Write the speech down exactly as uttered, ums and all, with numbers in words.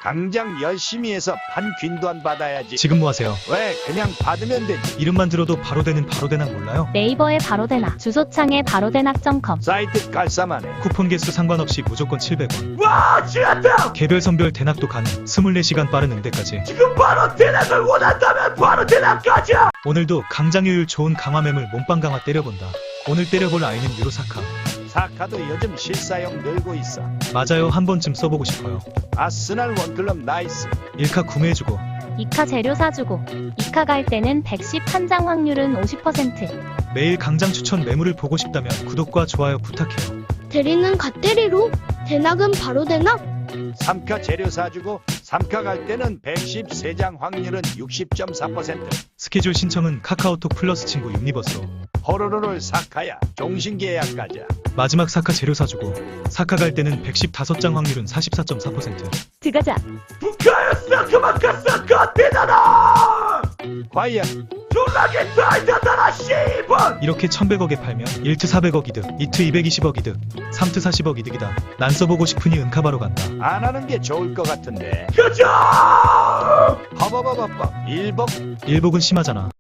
당장 열심히 해서 판 균도안 받아야지. 지금 뭐 하세요? 왜 그냥 받으면 되지. 이름만 들어도 바로 되는 바로대낙 몰라요? 네이버에 바로대낙, 주소창에 바로대낙 닷컴. 사이트 깔쌈하네. 쿠폰 개수 상관없이 무조건 칠백 원. 와 지났다. 개별 선별 대낙도 가능. 이십사 시간 빠른 응대까지. 지금 바로 대낙을 원한다면 바로 대낙 가자. 오늘도 강장효율 좋은 강화매물 몸빵 강화 때려본다. 오늘 때려볼 아이는 유로사카. 사카도 요즘 실사용 늘고 있어. 맞아요, 한 번쯤 써보고 싶어요. 아스날 원클럽 나이스. 일카 구매해주고 이카 재료 사주고. 이카 갈 때는 백십 판장 확률은 오십 퍼센트. 매일 강장 추천 매물을 보고 싶다면 구독과 좋아요 부탁해요. 대리는 갓대리로, 대낙은 바로 대낙. 삼카 재료 사주고 삼카 갈 때는 백십삼 장 확률은 육십 점 사 퍼센트. 스케줄 신청은 카카오톡 플러스 친구 유니버스로. 호로로를 사카야. 종신계약 가자. 마지막 사카 재료 사주고 사카 갈 때는 백십오 장 확률은 사십사 점 사 퍼센트. 들어가자. 북카였어 그만큼 사카 대단하. 과연 졸라게 달다다라 씨발. 이렇게 천백억에 팔면 일 트 사백억 이득, 이 트 이백이십억 이득, 삼 트 사십억 이득이다. 난 써보고 싶으니 은카바로 간다. 안 하는 게 좋을 것 같은데. 가자. 허버버버버 일복. 일복은 심하잖아.